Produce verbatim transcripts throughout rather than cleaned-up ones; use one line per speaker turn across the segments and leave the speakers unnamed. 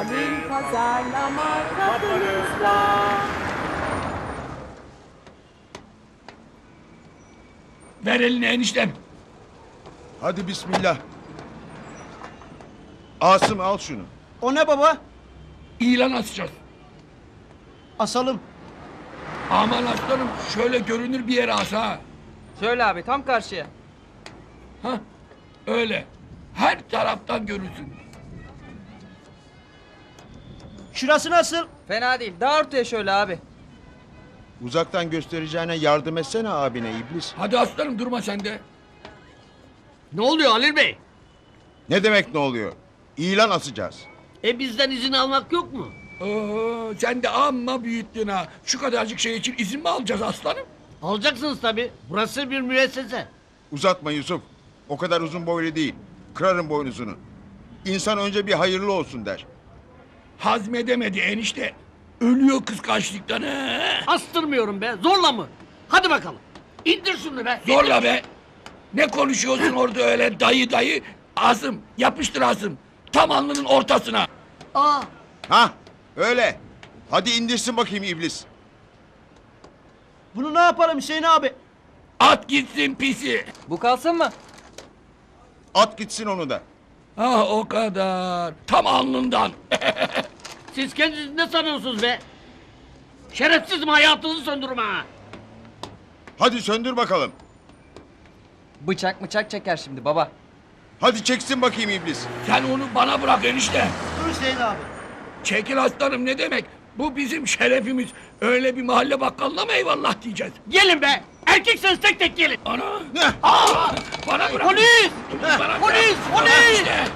Gelin pazarlama kapınızda.
Ver elini eniştem.
Hadi bismillah. Asım al şunu.
O ne baba?
İlan asacağız.
Asalım.
Aman aslanım şöyle görünür bir yere as ha.
Şöyle abi tam karşıya.
Hah öyle. Her taraftan görürsün.
Şurası nasıl?
Fena değil. Daha ortaya şöyle abi.
Uzaktan göstereceğine yardım etsene abine iblis.
Hadi aslanım durma sen de.
Ne oluyor Halil Bey?
Ne demek ne oluyor? İlan asacağız.
E bizden izin almak yok mu?
Oo, sen de amma büyüttün ha. Şu kadarcık şey için izin mi alacağız aslanım?
Alacaksınız tabii. Burası bir müessese.
Uzatma Yusuf. O kadar uzun boylu değil. Kırarım boynuzunu. İnsan önce bir hayırlı olsun der.
Hazmedemedi enişte. Ölüyor kıskançlıktan ha.
Astırmıyorum be. Zorla mı? Hadi bakalım. İndir şunu be.
Zorla be. Ne konuşuyorsun orada öyle dayı dayı? Asım yapıştır Asım. Tam alnının ortasına.
Aa,
Ha öyle. Hadi indirsin bakayım iblis.
Bunu ne yapalım Hüseyin abi?
At gitsin pisi.
Bu kalsın mı?
At gitsin onu da.
Ah o kadar. Tam alnından.
siz kendinizi ne sanıyorsunuz be? Şerefsizim, hayatınızı söndürme ha.
Hadi söndür bakalım.
Bıçak bıçak çeker şimdi baba.
Hadi çeksin bakayım iblis.
Sen onu bana bırak enişte.
Dur Hüseyin abi.
Çekil aslanım ne demek? Bu bizim şerefimiz. Öyle bir mahalle bakkalına mı eyvallah diyeceğiz?
Gelin be. Erkekseniz tek tek gelin.
Ana!
Heh.
Aa! Bana bırak!
Polis!
Bana bırak!
Polis!
Bana
Polis!
işte!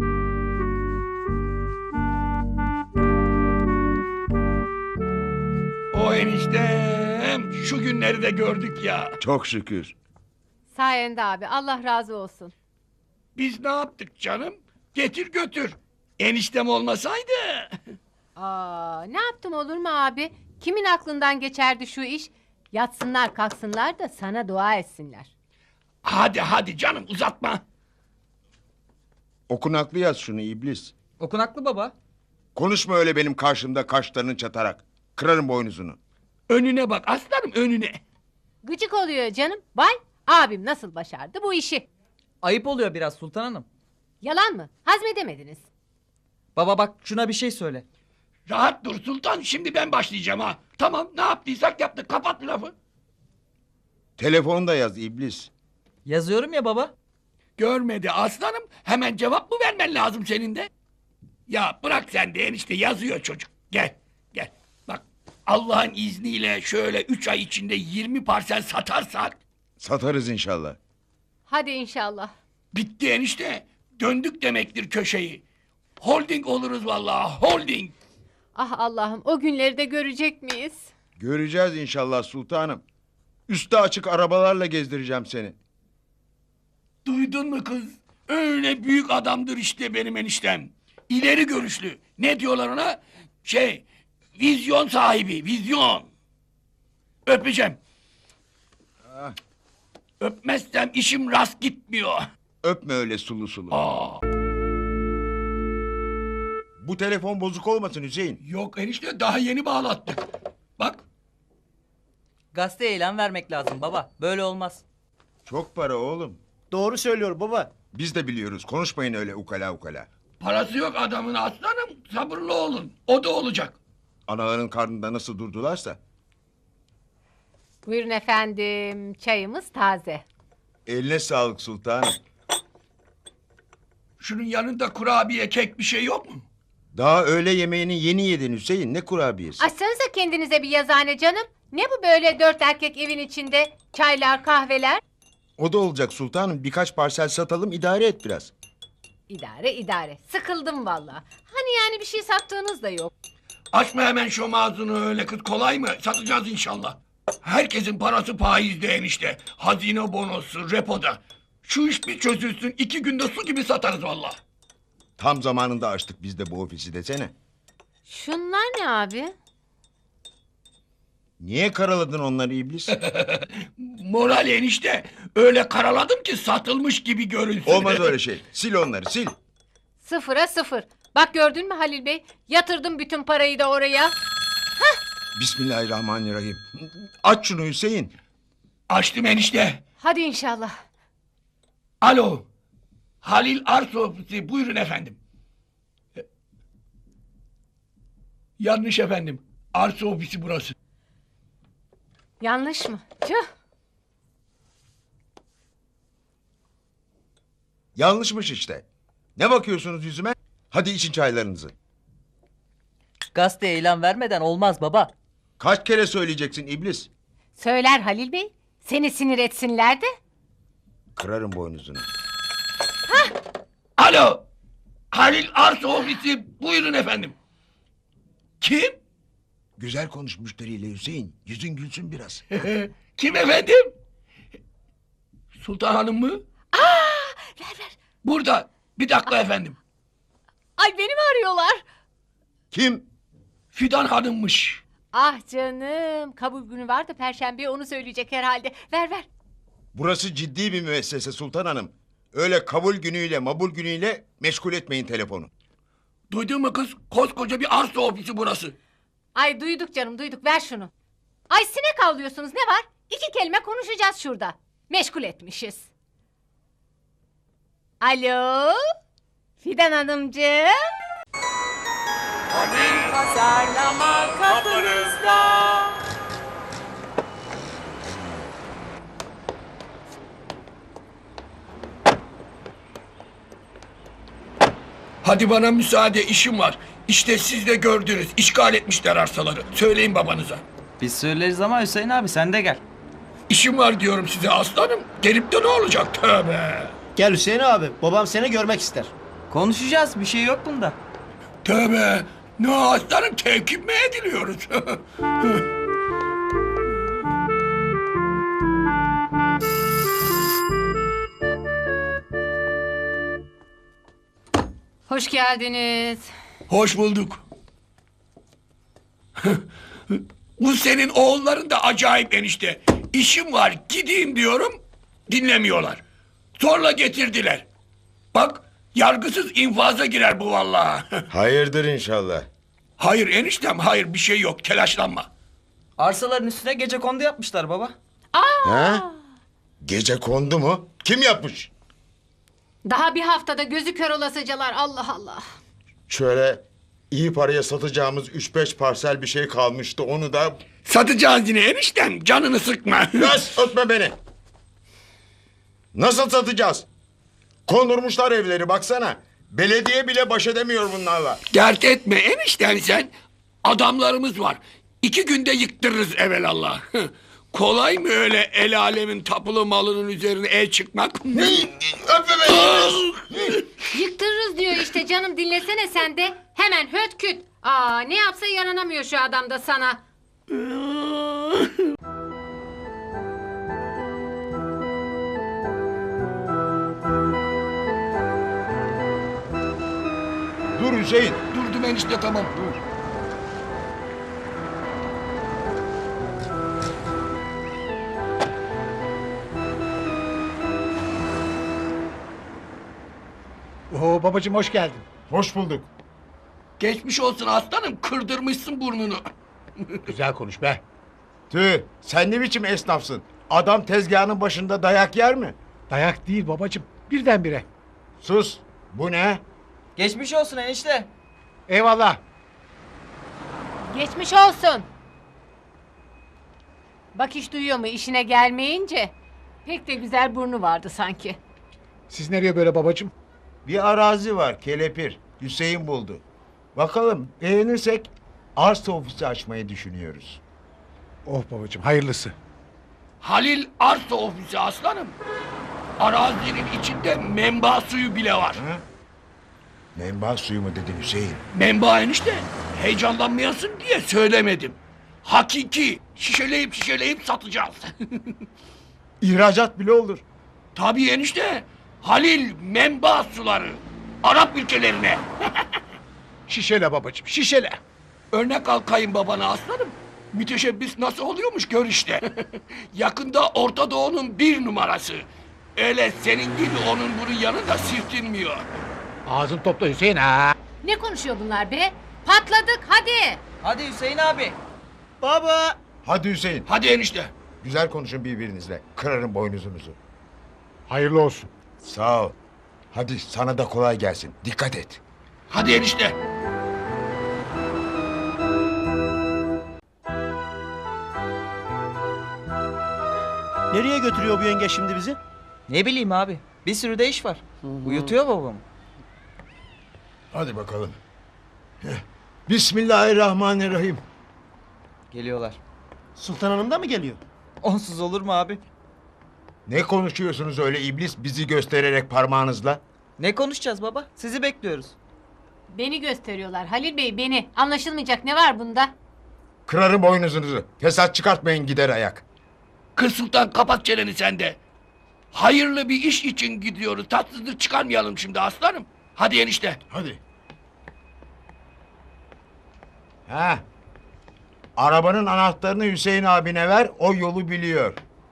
O eniştem şu günleri de gördük ya.
Çok şükür.
Sayende abi, Allah razı olsun.
Biz ne yaptık canım? Getir götür. Eniştem olmasaydı.
Aa, ne yaptım olur mu abi? Kimin aklından geçerdi şu iş? Yatsınlar kalksınlar da sana dua etsinler.
Hadi hadi canım uzatma.
Okunaklı yaz şunu iblis.
Okunaklı baba.
Konuşma öyle benim karşımda kaşlarını çatarak. Kırarım boynuzunu.
Önüne bak aslanım önüne.
Gıcık oluyor canım. Vay, abim nasıl başardı bu işi?
Ayıp oluyor biraz Sultan Hanım.
Yalan mı? Hazmedemediniz.
Baba bak şuna bir şey söyle.
Rahat dur sultan şimdi ben başlayacağım ha. Tamam ne yaptıysak yaptık kapat lafı.
Telefonu da yaz iblis.
Yazıyorum ya baba.
Görmedi aslanım. Hemen cevap mı vermen lazım senin de? Ya bırak sen de enişte yazıyor çocuk. Gel gel. Bak Allah'ın izniyle şöyle üç ay içinde yirmi parsel satarsak
Satarız inşallah.
Hadi inşallah.
bitti enişte. Döndük demektir köşeyi. Holding oluruz vallahi holding.
Ah Allah'ım, o günleri de görecek miyiz?
Göreceğiz inşallah sultanım. Üstü açık arabalarla gezdireceğim seni.
Duydun mu kız? Öyle büyük adamdır işte benim eniştem. İleri görüşlü. Ne diyorlar ona? Şey, vizyon sahibi, vizyon. Öpeceğim.
Ah.
Öpmezsem işim rast gitmiyor.
Öpme öyle sulu sulu.
Aa,
Bu telefon bozuk olmasın Hüseyin.
yok enişte daha yeni bağlattık. Bak,
Gazete ilan vermek lazım baba. Böyle olmaz.
Çok para oğlum.
Doğru söylüyor baba.
Biz de biliyoruz. Konuşmayın öyle ukala ukala.
parası yok adamın aslanım. Sabırlı olun. O da olacak.
Anaların karnında nasıl durdularsa.
Buyurun efendim, çayımız taze.
Eline sağlık sultanım.
Şunun yanında kurabiye, kek bir şey yok mu?
Daha öğle yemeğini yeni yedin Hüseyin. Ne kurabiyesi?
Açsanıza kendinize bir yazıhane canım. Ne bu böyle dört erkek evin içinde? Çaylar, kahveler.
O da olacak sultanım. Birkaç parsel satalım idare et biraz.
İdare idare. Sıkıldım vallahi. Hani yani bir şey sattığınız da yok.
Açma hemen şu ağzını öyle kız kolay mı? Satacağız inşallah. Herkesin parası faizde enişte. Hazine bonosu, repoda. Şu iş bir çözülsün iki günde su gibi satarız valla.
Tam zamanında açtık biz de bu ofisi desene.
Şunlar ne abi?
Niye karaladın onları iblis?
Moral enişte. Öyle karaladım ki satılmış gibi görünsün.
Olmaz öyle şey. Sil onları sil.
Sıfıra sıfır. Bak gördün mü Halil Bey? Yatırdım bütün parayı da oraya.
Bismillahirrahmanirrahim. Aç şunu Hüseyin.
Açtım enişte.
Hadi inşallah.
Alo. Halil Arsa Ofisi. Buyurun efendim. E, Yanlış efendim. Arsa ofisi burası.
Yanlış mı? Tüh.
Yanlışmış işte. Ne bakıyorsunuz yüzüme? Hadi için çaylarınızı.
Gazeteye ilan vermeden olmaz baba.
Kaç kere söyleyeceksin iblis?
Söyler Halil Bey. Seni sinir etsinler de.
Kırarım boynuzunu.
Alo. Halil Arsa Ofisi. Buyurun efendim. Kim?
Güzel konuş müşteriyle Hüseyin. Yüzün gülsün biraz.
Kim efendim? Sultan Hanım mı?
Ver ver.
Burada. Bir dakika efendim.
Ay beni mi arıyorlar?
Kim?
Fidan Hanım'mış.
Ah canım. Kabul günü var da perşembeye onu söyleyecek herhalde. Ver ver.
Burası ciddi bir müessese Sultan Hanım. Öyle kabul günüyle mabul günüyle meşgul etmeyin telefonu.
Duydun mu kız? Koskoca bir arsa ofisi burası.
Ay duyduk canım duyduk. Ver şunu. Ay sinek avlıyorsunuz ne var? İki kelime konuşacağız şurada. Meşgul etmişiz. Alo. Fidan Hanımcığım.
Pazarlama kapınızda.
Hadi bana müsaade, işim var. İşte siz de gördünüz. İşgal etmişler arsaları. Söyleyin babanıza.
Biz söyleriz ama Hüseyin abi sen de gel.
İşim var diyorum size aslanım. Gelip de ne olacak? Tövbe.
Gel Hüseyin abi. Babam seni görmek ister.
Konuşacağız bir şey yok bunda.
Tövbe. Ne aslanım, tevkif mi ediliyoruz?
Hoş geldiniz.
Hoş bulduk. Bu senin oğulların da acayip enişte. İşim var, gideyim diyorum, dinlemiyorlar. Zorla getirdiler. Bak, yargısız infaza girer bu vallahi.
Hayırdır inşallah.
Hayır eniştem, hayır, bir şey yok, telaşlanma.
Arsaların üstüne gecekondu yapmışlar baba.
Ha? Gece kondu mu? Kim yapmış?
Daha bir haftada gözü kör olasıcalar. Allah Allah.
Şöyle iyi paraya satacağımız üç beş parsel bir şey kalmıştı. Onu da...
Satacağız yine eniştem, canını sıkma.
Yaz ötme beni. Nasıl satacağız? Kondurmuşlar evleri baksana. Belediye bile baş edemiyor bunlarla.
Dert etme enişten sen. Adamlarımız var. İki günde yıktırırız evelallah. Kolay mı öyle el alemin tapulu malının üzerine el çıkmak?
Öpme beni.
Yıktırırız diyor işte canım, dinlesene sen de. Hemen höt küt. Aa, ne yapsa yaranamıyor şu adam da sana.
Dur Hüseyin.
Durdum enişte, tamam. Dur.
Oo babacığım hoş geldin.
Hoş bulduk.
Geçmiş olsun aslanım, kırdırmışsın burnunu.
Güzel konuş be.
Tüh, sen ne biçim esnafsın? Adam tezgahının başında dayak yer mi?
Dayak değil babacığım. Birdenbire.
Sus. Bu ne?
Geçmiş olsun enişte.
Eyvallah.
Geçmiş olsun. Bak iş duyuyor mu işine gelmeyince? Pek de güzel burnu vardı sanki.
Siz nereye böyle babacığım?
Bir arazi var kelepir. Hüseyin buldu. Bakalım beğenirsek arsa ofisi açmayı düşünüyoruz.
Oh babacığım hayırlısı.
Halil Arsa Ofisi aslanım. Arazinin içinde menba suyu bile var.
Ha? Menba suyu mu dedin Hüseyin?
Menba enişte, heyecanlanmayasın diye söylemedim. Hakiki, şişeleyip şişeleyip satacağız.
İhracat bile olur.
Tabii enişte, Halil menba suları. Arap ülkelerine.
Şişele babacığım şişele.
Örnek al kayınbabana aslanım. Müteşebbis nasıl oluyormuş gör işte. Yakında Orta Doğu'nun bir numarası. Öyle senin gibi onun bunun yanında sirtinmiyor.
Ağzın topla Hüseyin ha.
Ne konuşuyor bunlar be? Patladık hadi.
Hadi Hüseyin abi.
Baba.
Hadi Hüseyin.
Hadi enişte.
Güzel konuşun birbirinizle. Kırarım boynuzunuzu.
Hayırlı olsun.
Sağ ol. Hadi sana da kolay gelsin. Dikkat et.
Hadi enişte.
Nereye götürüyor bu yenge şimdi bizi?
Ne bileyim abi. Bir sürü de iş var. Uyutuyor babamı.
Hadi bakalım. Heh. Bismillahirrahmanirrahim.
Geliyorlar.
Sultan Hanım da mı geliyor?
Onsuz olur mu abi?
Ne konuşuyorsunuz öyle iblis bizi göstererek parmağınızla?
Ne konuşacağız baba? Sizi bekliyoruz.
Beni gösteriyorlar Halil Bey beni. Anlaşılmayacak ne var bunda?
Kırarım boynuzunuzu. Fesat çıkartmayın gider ayak.
Kız Sultan kapat çeneni sen de. Hayırlı bir iş için gidiyoruz. Tatsızlık çıkarmayalım şimdi aslanım. Hadi enişte.
Hadi. Ha. Arabanın anahtarını Hüseyin abine ver. O yolu biliyor.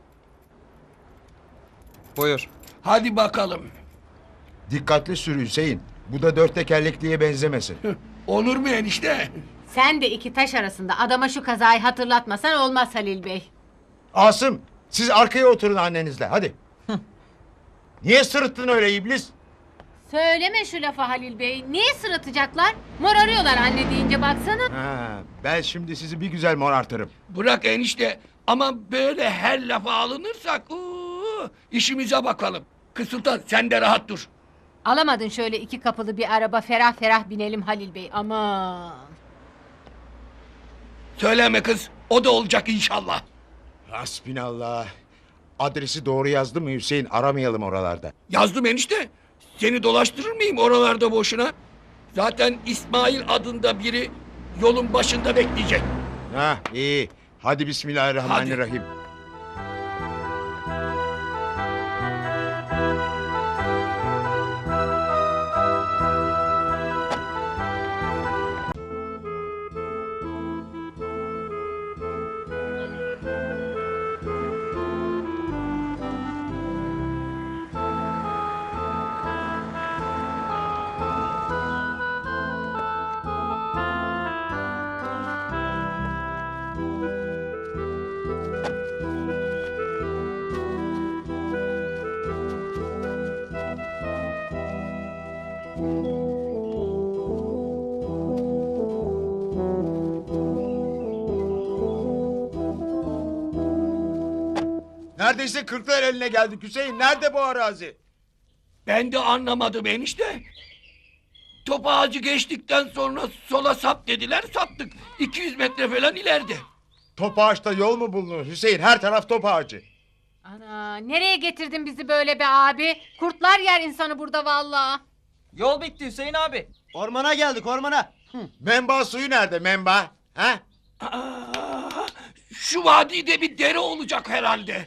Buyur.
Hadi bakalım.
Dikkatli sür Hüseyin. Bu da dört tekerlekliye benzemesin.
Olur mu enişte?
Sen de iki taş arasında adama şu kazayı hatırlatmasan olmaz Halil Bey.
Asım, siz arkaya oturun annenizle. Hadi. Niye sırıttın öyle iblis?
Söyleme şu lafı Halil Bey. Niye sırıtacaklar? Mor arıyorlar anne deyince baksana.
Ha, ben şimdi sizi bir güzel morartırım.
Bırak enişte. Ama böyle her lafa alınırsak uu, işimize bakalım. Kız Sultan sen de rahat dur.
Alamadın şöyle iki kapılı bir araba ferah ferah binelim Halil Bey. Aman.
Söyleme kız. O da olacak inşallah.
Hasbinallah. Adresi doğru yazdı mı Hüseyin? Aramayalım oralarda.
Yazdım enişte. Seni dolaştırır mıyım oralarda boşuna? Zaten İsmail adında biri yolun başında bekleyecek.
Ha, iyi. Hadi bismillahirrahmanirrahim. Neredeyse kırklar eline geldik Hüseyin. Nerede bu arazi?
Ben de anlamadım enişte. Top ağacı geçtikten sonra sola sap dediler saptık. iki yüz metre falan ileride.
Top ağaçta yol mu bulunur Hüseyin? Her taraf top ağacı.
Ana nereye getirdin bizi böyle be abi? Kurtlar yer insanı burada vallahi.
Yol bitti Hüseyin abi.
Ormana geldik ormana.
Menba suyu nerede menba? Ha?
Aa, şu vadide bir dere olacak herhalde.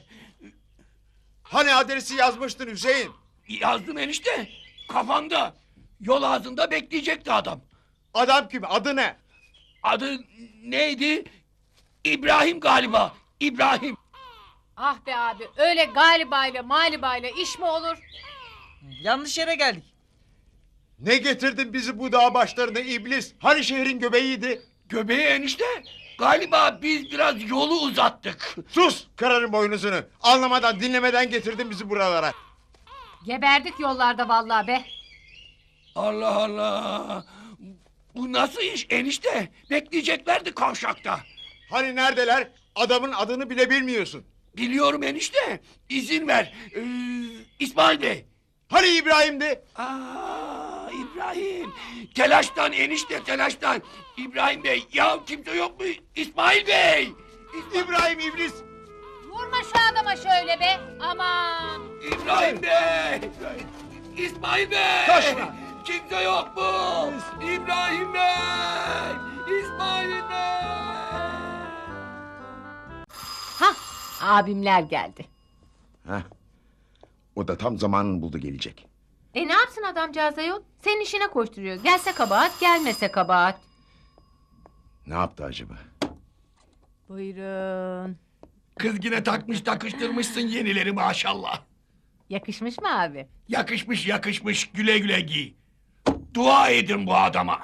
Hani adresi yazmıştın Hüseyin?
Yazdım enişte. Kafanda. Yol ağzında bekleyecekti adam.
Adam kim? Adı ne?
Adı neydi? İbrahim galiba. İbrahim.
Ah be abi öyle galiba ile maliba ile iş mi olur?
Yanlış yere geldik.
Ne getirdin bizi bu dağ başlarına iblis? Hani şehrin göbeğiydi?
Göbeği enişte. Galiba biz biraz yolu uzattık.
Sus! Kırarım boynuzunu. Anlamadan dinlemeden getirdin bizi buralara.
Geberdik yollarda vallahi be.
Allah Allah. Bu nasıl iş enişte? Bekleyeceklerdi kavşakta.
Hani neredeler? Adamın adını bile bilmiyorsun.
Biliyorum enişte. İzin ver. Ee, İsmail Bey.
Hani İbrahim'di?
Aa, İbrahim. Telaştan enişte telaştan. İbrahim Bey. Ya kimse yok mu? İsmail Bey.
İbrahim iblis.
Vurma şu adama şöyle be. Aman.
İbrahim Bey. İsmail Bey.
Koşma.
Kimse yok mu? İbrahim Bey. İsmail Bey.
Hah abimler geldi.
Heh. O da tam zamanını buldu gelecek.
E ne yapsın adamcağız ayol? Senin işine koşturuyor. Gelse kabahat gelmese kabahat.
Ne yaptı acaba?
Buyurun.
Kız yine takmış takıştırmışsın yenileri maşallah.
Yakışmış mı abi?
Yakışmış yakışmış güle güle giy. Dua edin bu adama.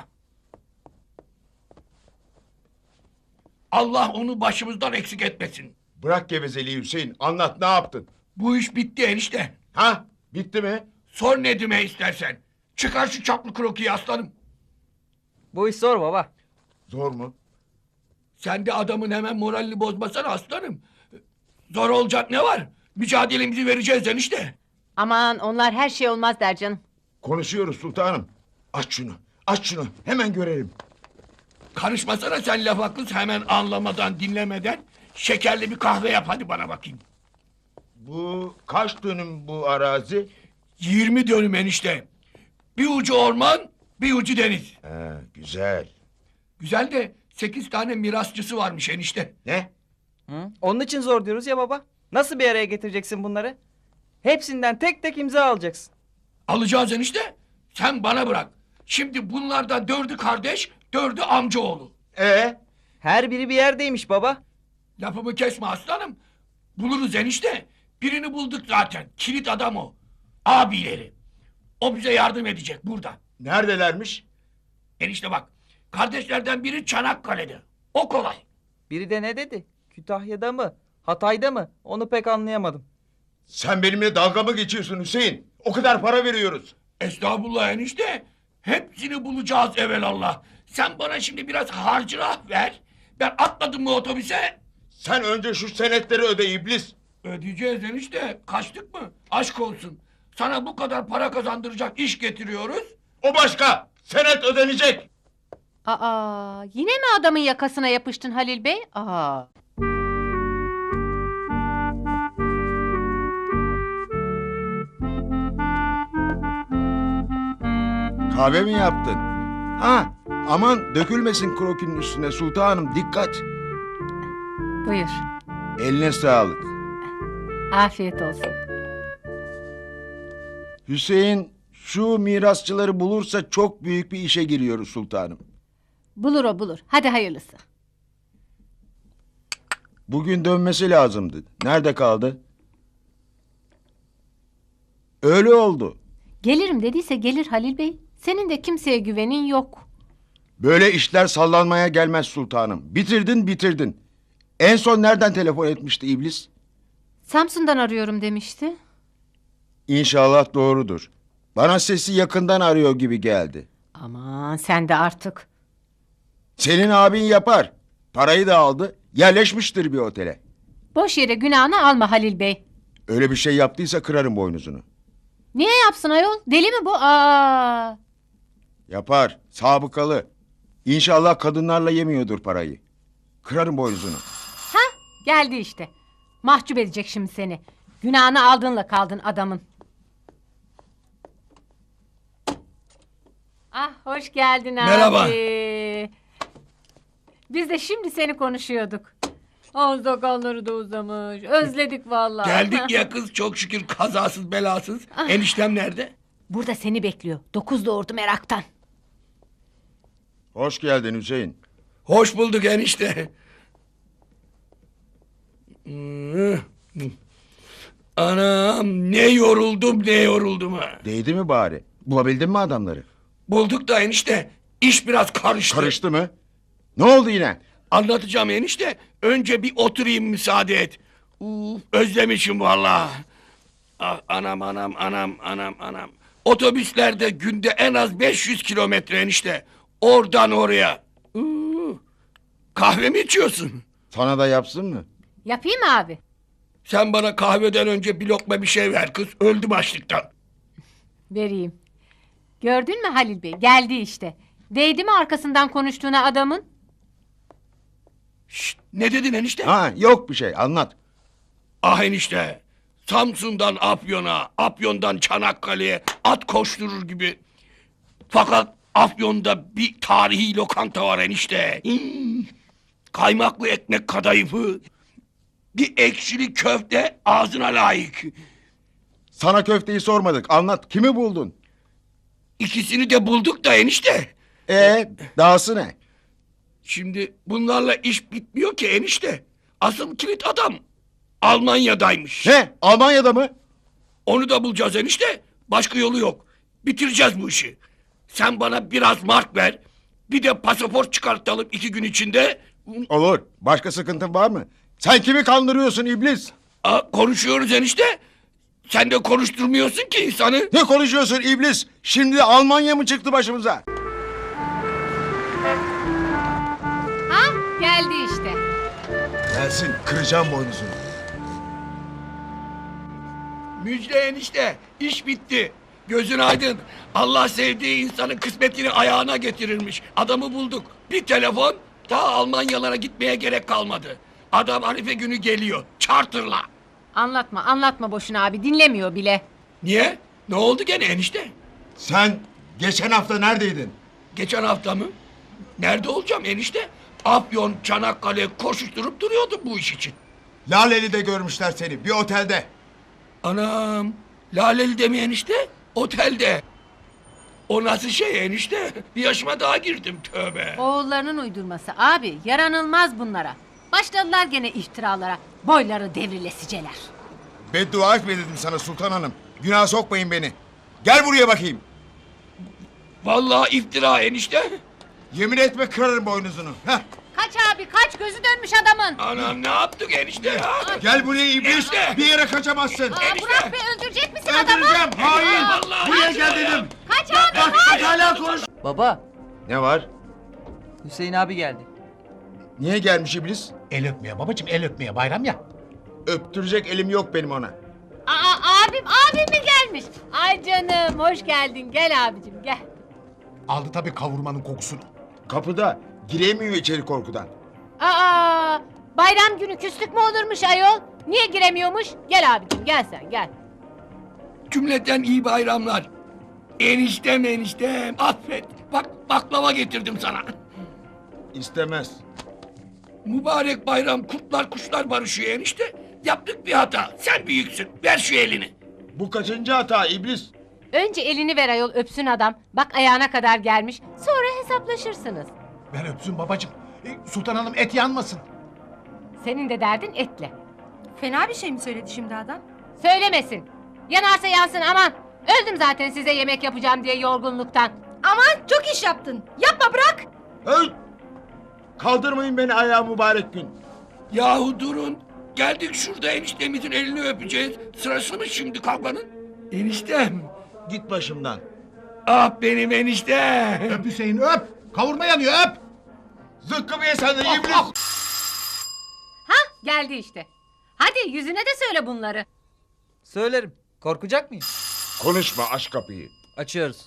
Allah onu başımızdan eksik etmesin.
Bırak gevezeliği Hüseyin. Anlat ne yaptın?
Bu iş bitti enişte.
Ha? Bitti mi?
Sor Nedim'e istersen. Çıkar şu çaplı krokiyi aslanım.
Bu iş zor baba.
Zor mu?
Sen de adamın hemen moralini bozmasana aslanım. Zor olacak ne var? Mücadelemizi vereceğiz enişte.
Aman onlar her şey olmaz der canım.
Konuşuyoruz sultanım. Aç şunu. Aç şunu. Hemen görelim.
Karışmasana sen laf haklısın hemen anlamadan dinlemeden. Şekerli bir kahve yap hadi bana bakayım.
Bu kaç dönüm bu arazi?
Yirmi dönüm enişte. Bir ucu orman, bir ucu deniz.
Ha, güzel.
Güzel de sekiz tane mirasçısı varmış enişte.
Ne?
Hı? Onun için zor diyoruz ya baba. Nasıl bir araya getireceksin bunları? Hepsinden tek tek imza alacaksın.
Alacağız enişte. Sen bana bırak. Şimdi bunlardan dördü kardeş, dördü amcaoğlu.
Ee?
Her biri bir yerdeymiş baba.
Lafımı kesme aslanım. Buluruz enişte. Birini bulduk zaten. Kilit adam o. Abileri. O bize yardım edecek burada.
Neredelermiş?
Enişte bak. Kardeşlerden biri Çanakkale'de. O kolay.
Biri de ne dedi? Kütahya'da mı? Hatay'da mı? Onu pek anlayamadım.
Sen benimle dalga mı geçiyorsun Hüseyin? O kadar para veriyoruz.
Estağfurullah enişte. Hepsini bulacağız evelallah. Sen bana şimdi biraz harcırah ver. Ben atladım mı otobüse?
Sen önce şu senetleri öde iblis.
Ödeyeceğiz enişte. Kaçtık mı? Aşk olsun. Sana bu kadar para kazandıracak iş getiriyoruz.
O başka. Senet ödenecek.
Aa, yine mi adamın yakasına yapıştın Halil Bey? Aa.
Kahve mi yaptın? Ha, aman dökülmesin krokinin üstüne sultanım, dikkat.
Buyur.
Eline sağlık.
Afiyet olsun.
Hüseyin şu mirasçıları bulursa çok büyük bir işe giriyoruz sultanım.
Bulur o bulur. Hadi hayırlısı.
Bugün dönmesi lazımdı. Nerede kaldı? Öyle oldu.
Gelirim dediyse gelir Halil Bey. Senin de kimseye güvenin yok.
Böyle işler sallanmaya gelmez sultanım. Bitirdin bitirdin. En son nereden telefon etmişti iblis?
Samsun'dan arıyorum demişti.
İnşallah doğrudur. Bana sesi yakından arıyor gibi geldi.
Aman sen de artık.
Senin abin yapar. Parayı da aldı. Yerleşmiştir bir otele.
Boş yere günahını alma Halil Bey.
Öyle bir şey yaptıysa kırarım boynuzunu.
Niye yapsın ayol? Deli mi bu? Aa.
Yapar. Sabıkalı. İnşallah kadınlarla yemiyordur parayı. Kırarım boynuzunu.
Geldi işte. Mahcup edecek şimdi seni. Günahını aldığınla kaldın adamın. Ah hoş geldin abi.
Merhaba.
Biz de şimdi seni konuşuyorduk. Ağız sakalları da uzamış. Özledik vallahi.
Geldik ya kız çok şükür kazasız belasız. Eniştem nerede?
Burada seni bekliyor. Dokuz doğurdu meraktan.
Hoş geldin Hüseyin.
Hoş bulduk enişte. Hmm. Anam ne yoruldum ne yoruldum ha.
Değdi mi bari? Bulabildin mi adamları?
Bulduk da enişte iş biraz karıştı.
Karıştı mı? Ne oldu yine?
Anlatacağım enişte. Önce bir oturayım müsaade et. Uf, özlemişim vallahi. Ah, anam anam anam anam anam. Otobüslerde günde en az beş yüz kilometre enişte. Oradan oraya. Uf. Kahve mi içiyorsun?
Sana da yapsın mı?
Yapayım mı abi?
Sen bana kahveden önce bir lokma bir şey ver kız. Öldüm açlıktan.
Vereyim. Gördün mü Halil Bey? Geldi işte. Değdi mi arkasından konuştuğuna adamın?
Şşt, ne dedin enişte?
Ha, yok bir şey, anlat.
Ah enişte. Samsun'dan Afyon'a, Afyon'dan Çanakkale'ye at koşturur gibi. Fakat Afyon'da bir tarihi lokanta var enişte. Hmm. Kaymaklı ekmek kadayıfı. Bir ekşili köfte ağzına layık.
Sana köfteyi sormadık, anlat. Kimi buldun?
İkisini de bulduk da enişte.
Ee, dahası ne?
Şimdi bunlarla iş bitmiyor ki enişte. Asıl kilit adam Almanya'daymış.
Ne? Almanya'da mı?
Onu da bulacağız enişte. Başka yolu yok. Bitireceğiz bu işi. Sen bana biraz mark ver. Bir de pasaport çıkartalım iki gün içinde.
Olur. Başka sıkıntın var mı? Sen kimi kandırıyorsun iblis?
Aa, konuşuyoruz enişte. Sen de konuşturmuyorsun ki insanı.
Ne konuşuyorsun iblis? Şimdi Almanya mı çıktı başımıza?
Ha geldi işte.
Gelsin kıracağım boynuzunu.
Müjde enişte. İş bitti. Gözün aydın. Allah sevdiği insanın kısmetini ayağına getirirmiş. Adamı bulduk. Bir telefon, daha Almanyalara gitmeye gerek kalmadı. Adam Arife günü geliyor. Charter'la.
Anlatma anlatma boşuna abi dinlemiyor bile.
Niye? Ne oldu gene enişte?
Sen geçen hafta neredeydin?
Geçen hafta mı? Nerede olacağım enişte? Afyon, Çanakkale koşuşturup duruyordum bu iş için.
Laleli'de görmüşler seni bir otelde.
Anam, Laleli'de mi enişte? Otelde. O nasıl şey enişte? Bir yaşıma daha girdim tövbe.
Oğullarının uydurması abi yaranılmaz bunlara. Başladılar gene iftiralara. Boyları devrilesiceler.
Beddua etme dedim sana Sultan Hanım. Günah sokmayın beni. Gel buraya bakayım.
Vallahi iftira enişte.
Yemin etme kırarım boynuzunu. Heh.
Kaç abi kaç gözü dönmüş adamın.
Anam ne yaptık enişte ya?
Gel buraya iblis.
Enişte.
Bir yere kaçamazsın.
Aa, Burak Bey öldürecek misin adamı?
Öldüreceğim. Hain.
Vallahi
Buraya
ya.
gel dedim.
Kaç abi
Bak
kaç.
bak hala konuş.
Baba,
Ne var?
Hüseyin abi geldi.
Niye gelmiş iblis?
El öpmeye babacığım, el öpmeye, bayram ya.
Öptürecek elim yok benim ona.
Aa, abim abim mi gelmiş? Ay canım hoş geldin gel abicim gel.
Aldı tabii kavurmanın kokusunu.
Kapıda. Giremiyor içeri korkudan.
Aa, bayram günü küslük mü olurmuş ayol? Niye giremiyormuş? Gel abicim gel sen gel.
Cümleten iyi bayramlar. Eniştem eniştem affet. Bak baklava getirdim sana.
İstemez.
Mübarek bayram kurtlar kuşlar barışıyor enişte. Yaptık bir hata. Sen büyüksün. Ver şu elini.
Bu kaçıncı hata iblis?
Önce elini ver ayol öpsün adam. Bak ayağına kadar gelmiş. Sonra hesaplaşırsınız.
Ver öpsün babacığım. E, Sultan Hanım et yanmasın.
Senin de derdin etle.
Fena bir şey mi söyledi şimdi adam?
Söylemesin. Yanarsa yansın aman. Öldüm zaten size yemek yapacağım diye yorgunluktan.
Aman çok iş yaptın. Yapma bırak.
Hey! Kaldırmayın beni ayağa mübarek gün.
Yahu durun. Geldik şurada eniştemizin elini öpeceğiz. Sırası mı şimdi kavganın? Eniştem.
Git başımdan.
Ah benim eniştem.
Öp Hüseyin öp. Kavurma yanıyor öp.
Zıkkımı ye sen de
Ah,
iblis.
ah.
Ha geldi işte. Hadi yüzüne de söyle bunları.
Söylerim. Korkacak mıyım?
Konuşma aç kapıyı.
Açıyoruz.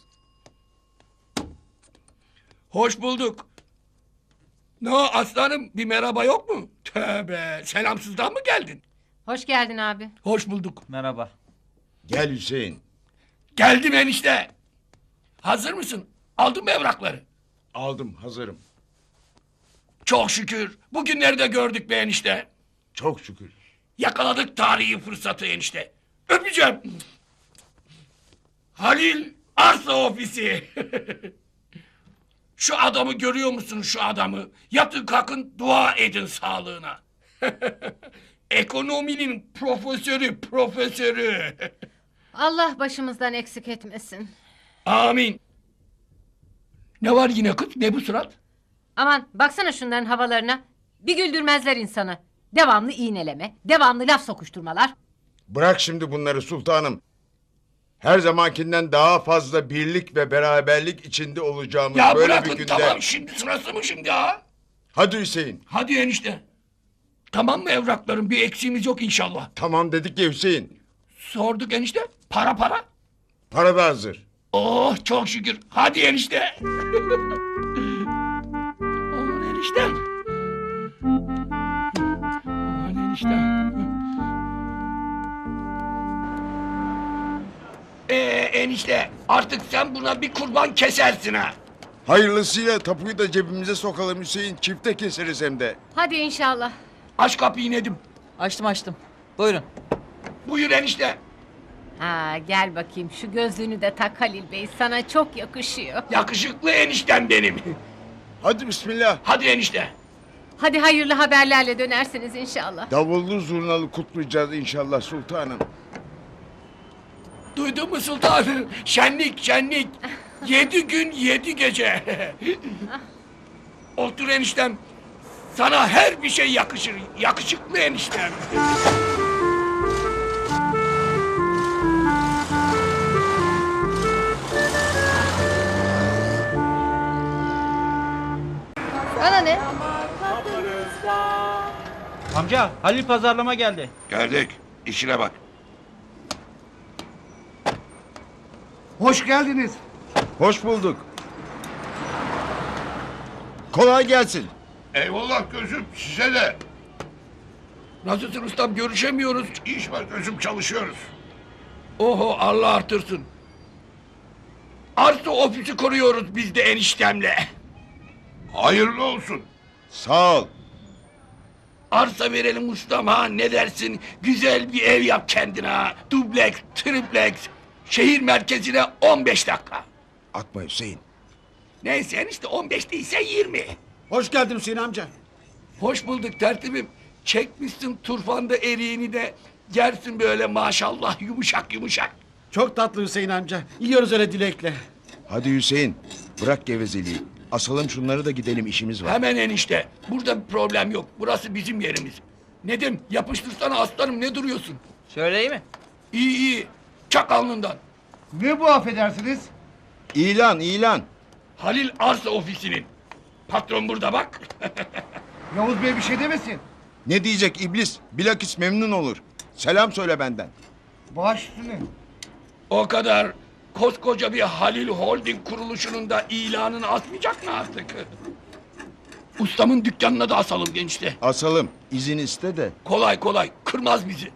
Hoş bulduk. Ne o aslanım bir merhaba yok mu? Tövbe selamsızdan mı geldin?
Hoş geldin abi.
Hoş bulduk.
Merhaba.
Gel Hüseyin.
Geldim enişte. Hazır mısın? Aldın mı evrakları?
Aldım hazırım.
Çok şükür. Bugünleri de gördük be enişte.
Çok şükür.
Yakaladık tarihi fırsatı enişte. Öpeceğim. Halil Arsa Ofisi. Şu adamı görüyor musun şu adamı? Yatın kalkın dua edin sağlığına. Ekonominin profesörü profesörü.
Allah başımızdan eksik etmesin.
Amin. Ne var yine kız? Ne bu surat?
Aman baksana şunların havalarına. Bir güldürmezler insanı. Devamlı iğneleme, devamlı laf sokuşturmalar.
Bırak şimdi bunları sultanım. Her zamankinden daha fazla birlik ve beraberlik içinde olacağımız
Ya
böyle
bırakın
bir günde.
tamam şimdi sırası mı şimdi ha?
Hadi Hüseyin.
Hadi enişte. Tamam mı evrakların bir eksiğimiz yok inşallah.
Tamam dedik ya Hüseyin.
Sorduk enişte. Para para.
Para da hazır.
Oh çok şükür. Hadi enişte. Aman eniştem. Aman eniştem. Ee enişte artık sen buna bir kurban kesersin ha.
Hayırlısıyla tapuyu da cebimize sokalım Hüseyin. Çifte keseriz hem de.
Hadi inşallah.
Aç kapıyı Nedim.
Açtım açtım. Buyurun.
Buyur enişte.
Ha gel bakayım şu gözlüğünü de tak Halil Bey sana çok yakışıyor.
Yakışıklı eniştem benim.
Hadi bismillah.
Hadi enişte.
Hadi hayırlı haberlerle dönersiniz inşallah.
Davullu zurnalı kutlayacağız inşallah sultanım.
Duydun mu sultanım? Şenlik şenlik. Yedi gün yedi gece. Otur eniştem. Sana her bir şey yakışır. Yakışıklı eniştem.
Bana ne?
Amca Halil pazarlama geldi.
Geldik. İşine bak.
Hoş geldiniz.
Hoş bulduk. Kolay gelsin.
Eyvallah gözüm size de. Nasılsın ustam, görüşemiyoruz. İş var gözüm, çalışıyoruz. Oho, Allah artırsın. Arsa ofisi kuruyoruz biz de eniştemle. Hayırlı olsun.
Sağ ol.
Arsa verelim ustam ha, ne dersin? Güzel bir ev yap kendine ha. Dubleks, tripleks. Şehir merkezine on beş dakika.
Atma Hüseyin.
Neyse enişte, on beş değilse yirmi.
Hoş geldin Hüseyin amca.
Hoş bulduk tertibim. Çekmişsin turfanda eriğini de yersin böyle maşallah yumuşak yumuşak.
Çok tatlı Hüseyin amca. Yiyoruz öyle dilekle.
Hadi Hüseyin, bırak gevezeliği. Asalım şunları da gidelim, işimiz var.
Hemen enişte. Burada bir problem yok. Burası bizim yerimiz. Nedim, yapıştırsana aslanım, ne duruyorsun?
Şöyle iyi mi?
İyi iyi. Çak alnından.
Ne bu affedersiniz?
İlan, ilan.
Halil Arsa Ofisi'nin. Patron burada bak.
Yavuz Bey bir şey demesin.
Ne diyecek iblis? Bilakis memnun olur. Selam söyle benden.
Baş üstüne.
O kadar. Koskoca bir Halil Holding kuruluşunun da ilanını asmayacak mı artık? Ustamın dükkanına da asalım gençte.
Asalım, izin iste de.
Kolay kolay, kırmaz bizi.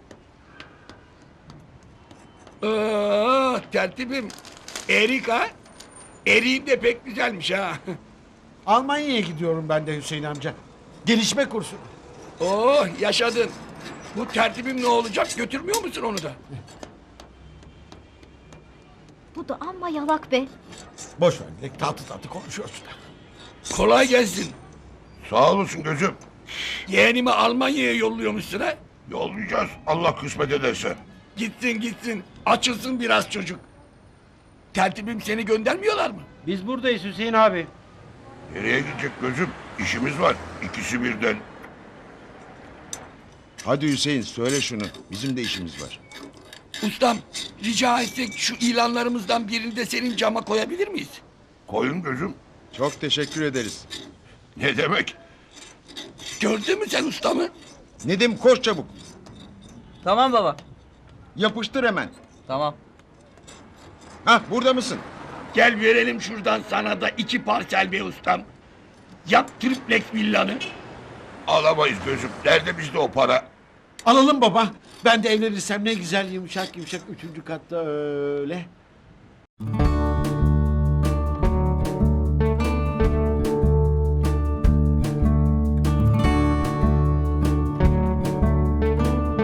Aa, tertibim. Erik ha? Eriğin de pek güzelmiş ha.
Almanya'ya gidiyorum ben de Hüseyin amca. Gelişme kursu.
Oh, yaşadın. Bu tertibim ne olacak? Götürmüyor musun onu da?
Bu da amma yalak be.
Boş ver dilek, tatlı tatlı konuşuyorsun.
Kolay gelsin.
Sağ olasın gözüm.
Yeğenimi Almanya'ya yolluyormuşsun ha?
Yollayacağız Allah kısmet ederse.
Gitsin gitsin. Açılsın biraz çocuk. Tertibim, seni göndermiyorlar mı?
Biz buradayız Hüseyin abi.
Nereye gidecek gözüm? İşimiz var. İkisi birden.
Hadi Hüseyin, söyle şunu. Bizim de işimiz var.
Ustam, rica etsek şu ilanlarımızdan birini de senin cama koyabilir miyiz?
Koyun gözüm.
Çok teşekkür ederiz.
Ne demek?
Gördün mü sen ustamı?
Nedim, koş çabuk.
Tamam baba.
Yapıştır hemen.
Tamam.
Hah, burada mısın?
Gel verelim şuradan sana da iki parsel be ustam. Yap triplex villanı.
Alamayız gözüm. Nerede bizde o para?
Alalım baba. Ben de evlenirsem ne güzel yumuşak yumuşak üçüncü katta öyle.